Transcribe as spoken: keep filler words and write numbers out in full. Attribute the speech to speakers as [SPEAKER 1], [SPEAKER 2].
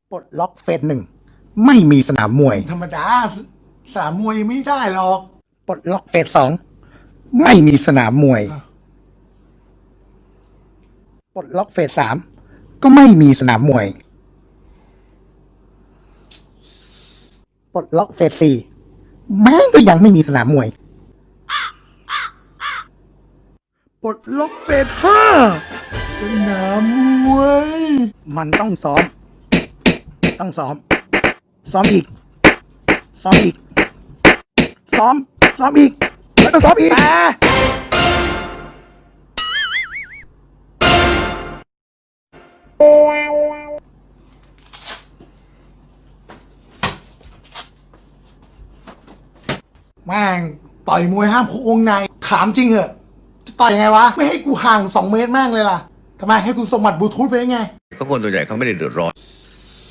[SPEAKER 1] ปลดล็อกเฟสหนึ่งไม่มีสนามมวย
[SPEAKER 2] ธรรมดาสนามมวยไม่ได้หรอก
[SPEAKER 1] ปลดล็อกเฟสสองไม่มีสนามมวยปลดล็อกเฟสสามก็ไม่มีสนามมวยปลดล็อกเฟสสี่แม่งก็ยังไม่มีสนามมวย
[SPEAKER 2] ปลดล็อกเฟสห้าสนามมวย
[SPEAKER 1] มันต้องซ้อมต้องซ้อมซ้อมอีกซ้อมอีกซ้อมซ้อมอีกแล้วก็ซ้อมอีก
[SPEAKER 2] แม่งต่อยมวยห้ามคุกวงในถามจริงเหอะจะต่อยยังไงวะไม่ให้กูห่างสองเมตรแม่งเลยล่ะทำไมให้กูส่งหมัดบลูทูธไปยังไง
[SPEAKER 3] ก็คนตัวใหญ่เขาไม่ได้เดือดร้อน